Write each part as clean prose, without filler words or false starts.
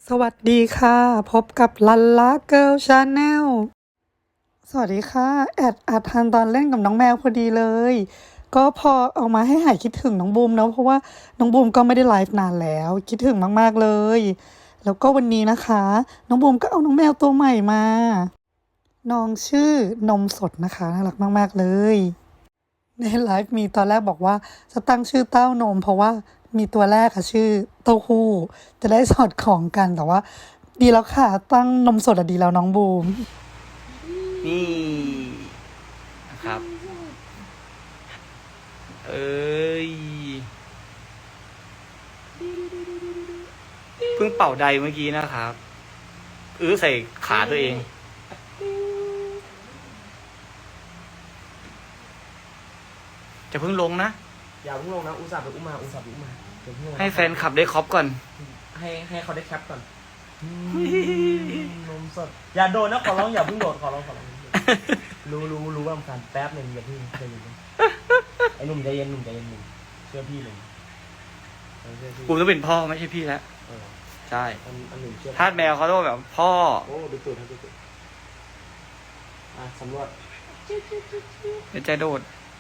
สวัสดีค่ะพบกับลันล่าเกิร์ลชาแนลสวัสดีค่ะอัดทันตอนเล่นกับน้องแมวพอดีเลยก็พอเอามาให้หายคิดถึงน้องบูมเนาะเพราะว่าน้องบูมก็ไม่ได้ไลฟ์นานแล้วคิดถึงมากๆเลยแล้วก็วันนี้นะคะน้องบูมก็เอาน้องแมวตัวใหม่มาน้องชื่อนมสดนะคะน่ารักมากๆเลยในไลฟ์มีตอนแรกบอกว่าจะตั้งชื่อเต้านมเพราะว่ามีตัวแรกค่ะชื่อเต้าหู้จะได้สอดคล้องกันแต่ว่าดีแล้วค่ะตั้งนมสดอะดีแล้วน้องบูมนี่นะครับ เอ้ยเพิ่งเป่าใดเมื่อกี้นะครับใส่ขาตัวเอง จะเพิ่งลงนะอย่าเพิ่งลงนะอุตส่าห์ไปอุ้มมาเดี๋ยวเพิ่งลงให้แฟนขับได้ครอบก่อนให้เขาได้แคปก่อนนมสดอย่าโดนนะขอร้องอย่าเพิ่งโดดขอร้องรู้ว่ามันแป๊บหนึ่งอย่าเพิ่งใจเย็นไอ้หนุ่มใจเย็นหนุ่มเชื่อพี่หนุ่มเชื่อพี่กูต้องเป็นพ่อไม่ใช่พี่แล้ว ใช่อันหนุ่มเชื่อทาสแมวเขาต้องแบบพ่อโอ้ดูตูดสำรวจเดี๋ยวใจโดด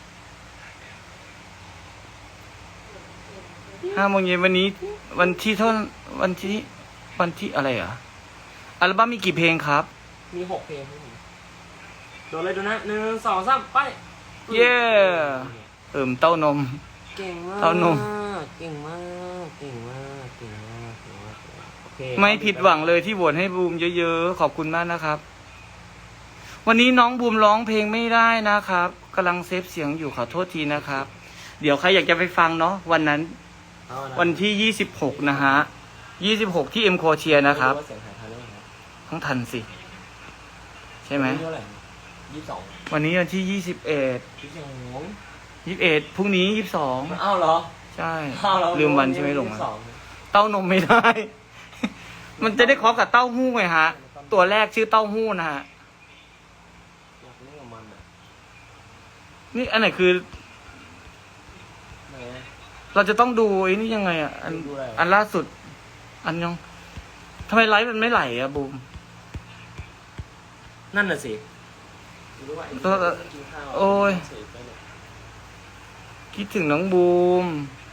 5 โมงเย็นวันนี้ วันที่อะไรอ่ะอัลบั้มมีกี่เพลงครับมี6 เพลงครับผมโดนเลยดูนะ1 2 3ไปเย้เต้านมเก่งมากเต้านมเก่งมากโอเคไม่ผิดหวังเลยที่โหวตให้บูมเยอะๆขอบคุณมากนะครับ วันนี้น้องบูมร้องเพลงไม่ได้นะครับกำลังเซฟเสียงอยู่ขอโทษทีนะครับ เดี๋ยวใครอยากจะไปฟังเนาะวันนั้นเอานะวันที่26นะฮะ26ที่เอ็มโคเชียนะครับไม่ว่าเสียงหายทันหรือเปล่าต้องทันสิ ใช่ไหมวันนี้เท่าไหร่22 วันนี้วันที่21พรุ่งนี้22 อ้าวเหรอใช่อ้าวเหรอลืมวันใช่ไหมหลง 22 อะเต้านมไม่ได้ มันจะได้ครอบกับเต้าหู้ไงฮะ ตัวแรกชื่อเต้าหู้นะฮะอยากเล่นกับมันอ่ะนี่อันไหนคือไหนอะเราจะต้องดูไอ้นี่ยังไงอ่ะดูอะไรอันล่าสุด อันยังทำไมไลฟ์มันไม่ไหลอ่ะบูมนั่นน่ะสิรู้ว่าไอ้เออกินข้าวโอ้ยเสพไปเนี่ยคิดถึงน้องบูม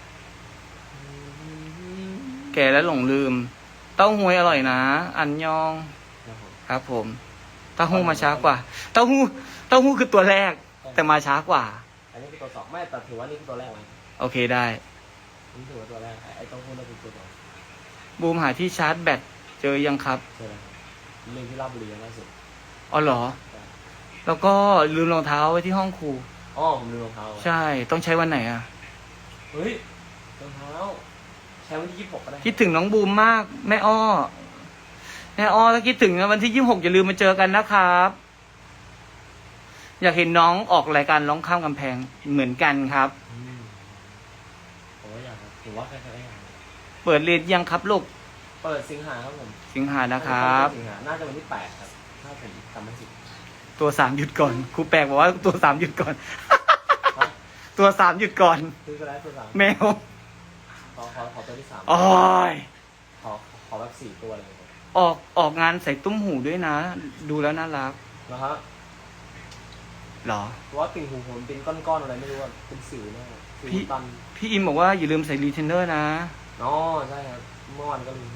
แก่แล้วหลงลืม เต้าหู้อร่อยนะ อันยองครับผมครับผม เต้าหู้มาช้ากว่า เต้าหู้คือตัวแรก แต่มาช้ากว่าอันนี้คือตัว2ไม่แต่ถือว่านี่คือตัวแรกไหมโอเคได้นี่ถือว่าตัวแรกไอ้ต้องพูดว่าเป็นตัว2 บูมหาที่ชาร์จแบตเจอยังครับใช่ไหมเรื่องที่ราชบุรีล่าสุดอ๋อเหรอ แล้วก็ลืมรองเท้าไว้ที่ห้องครูอ๋อผมลืมรองเท้าใช่ ต้องใช้วันไหนอ่ะเฮ้ยรองเท้าใช้วันที่26ก็ได้คิดถึงน้องบูมมาก แม่อ้อถ้าคิดถึงวันที่26อย่าลืมมาเจอกันนะครับ อยากเห็นน้องออกรายการร้องข้ามกำแพงเหมือนกันครับผมว่าอยากครับถือว่าใครๆได้อยากเปิดเรียนยังครับลูกเปิดสิงหาครับผมสิงหานะครับสิงหาน่าจะวันที่8ครับถ้าผมจำไม่ผิดตัว3หยุดก่อนครูแปลกบอกว่าตัว3หยุดก่อน ตัว3หยุดก่อนซื้อก็ได้ตัว3 แมวขอตัวที่3 โอ้ยขอแบบ4ตัวเลยครับออกงานใส่ตุ้มหูด้วยนะ ดูแล้วน่ารักนะฮะเหรอเพราะว่าติ่งหูผมเป็นก้อนๆอะไรไม่รู้ว่าเป็นสิวแน่สิวพี่ตันพี่อิมบอกว่าอย่าลืมใส่รีเทนเนอร์นะอ๋อใช่ครับเมื่อวานก็ลืมใส่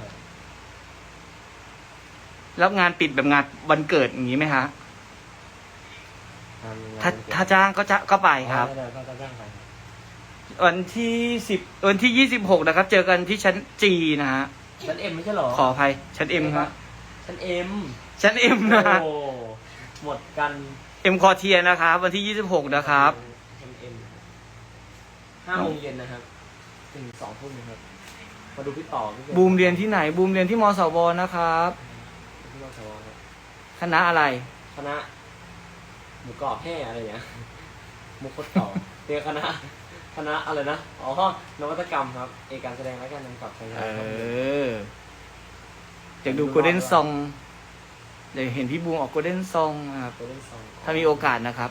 รับงานปิดแบบงานวันเกิดอย่างนี้ไหมฮะงานถ้าจ้างก็ไปครับได้ก็จ้างไปครับวันที่26นะครับ เจอกันที่ชั้นจีนะฮะชั้นเอ็มไม่ใช่เหรอขออภัยชั้นเอ็มครับชั้นเอ็มชั้นเอ็มนะฮะโอ้หมดกันเอ็มคอเทียนะครับวันที่26นะครับชั้นเอ็ม5 โมงเย็นนะครับถึง2 ทุ่มนะครับมาดูพี่ต่อพี่บูมเรียนที่ไหน บูมเรียนที่มสวนะครับที่มอสวครับคณะอะไรคณะหมูกรอบแห่อะไรอย่างเงี้ยมุกโคตรต่อเรียนคณะอะไรนะอ๋อนวัตกรรมครับเอกการแสดงและการนำกับใช้งานครับอยากดูโกลเด้นซองอยากเห็นพี่บูมออกโกลเด้นซองครับตัวเล่นซองถ้ามีโอกาสนะครับ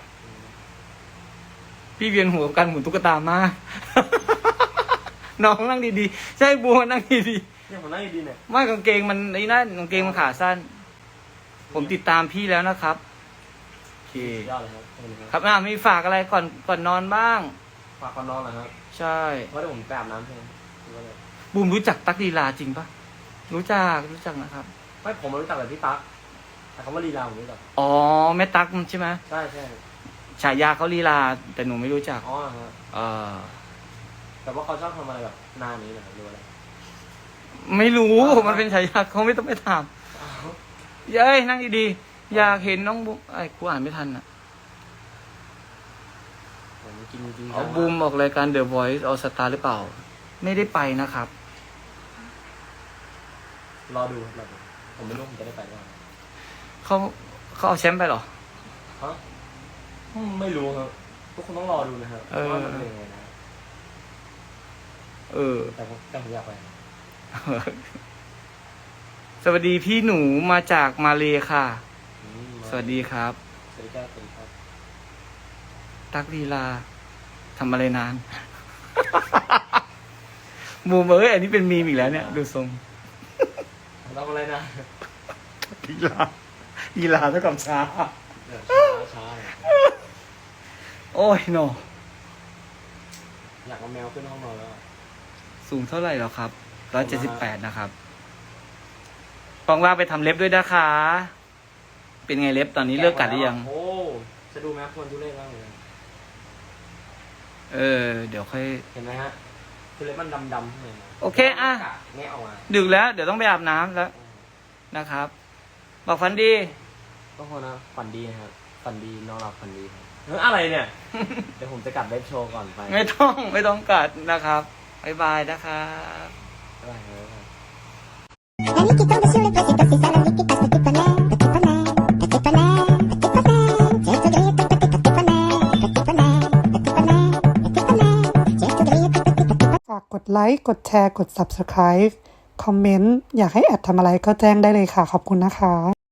พี่เวียนหัวกับการหมุนตุ๊กตามาก น้องนั่งดีๆ ใช่บูมนั่งดีๆเนี่ยผมนั่งดีๆเนี่ยไม่กางเกงมันไอ้นั่นกางเกงมันขาสั้น ผมติดตามพี่แล้วนะครับโอเคยอดเลยครับขอบคุณครับมีฝากอะไรก่อนนอนบ้างฝากคนนอนเหรอครับใช่เพราะเดี๋ยวผมไปอาบน้ำใช่ไหมหรือว่าอะไรบูมรู้จักตั๊กลีลาจริงปะรู้จักนะครับไม่ผมมารู้จักแต่พี่ตั๊กแต่คำว่าลีลาผมรู้จักอ๋อแม่ตั๊กมันใช่ไหมใช่ใช่ฉายาเขาลีลาแต่หนูไม่รู้จักอ๋อฮะเออแต่ว่าเขาชอบทำอะไรแบบหน้านี้นะหรืออะไรไม่รู้มันเป็นฉายาเขาไม่ต้องไปถามเย้ยนั่งดีๆอยากเห็นน้องบูมไอ้กูอ่านไม่ทันอ่ะผมกินจริงเอาบูมออกรายการ The Voice All Star หรือเปล่า ไม่ได้ไปนะครับรอดูรอดูผมไม่รู้ผมจะได้ไปหรือเปล่าเขาเอาแชมป์ไปเหรอฮะไม่รู้ครับทุกคนต้องรอดูนะครับเออว่ามันเป็นยังไงนะเออแต่ผมอยากไปสวัสดีพี่หนูมาจากมาเลค่ะอืมสวัสดีครับสวัสดีครับสวัสดีครับตักลีลาทำอะไรนาน บูมอันนี้เป็นมีมอีกแล้วเนี่ย ดูทรงทำอะไรนะลีลาเท่ากับช้าเดี๋ยวช้าเลยโอ้ยโนอยากเอาแมวขึ้นห้องนอนแล้วอะสูงเท่าไหร่แล้วครับ178นะครับฟองว่าไปทำเล็บด้วยนะคะ เป็นไงเล็บตอนนี้เลิกกัดหรือยังโอ้จะดูแมวคนทุเรศมากเลยเดี๋ยวค่อยเห็นไหมฮะคือเล็บมันดำๆข้างในนะโอเคอ่ะแงะออกมาดึกแล้ว เดี๋ยวต้องไปอาบน้ำแล้วนะครับ บอกฟันดีก็คนนะฝันดีนะครับฝันดีนอนหลับฝันดีครับอะไรเนี่ย เดี๋ยวผมจะกลับเว็บโชว์ก่อนไปไม่ต้องกัดนะครับบ๊ายบายนะครับบ๊ายบายครับ Amiguito de Sule, cositas y salamiquitas, petit poney, petit poney, petit poney, petit poney. J'ai tout grillé, petit poney, petit poney, petit poney, petit poney. J'ai tout grillé, petit poney. ฝากกดไลค์ กดแชร์ กด Subscribe คอมเมนต์ อยากให้แอดทำอะไรก็แจ้งได้เลยค่ะ ขอบคุณนะคะ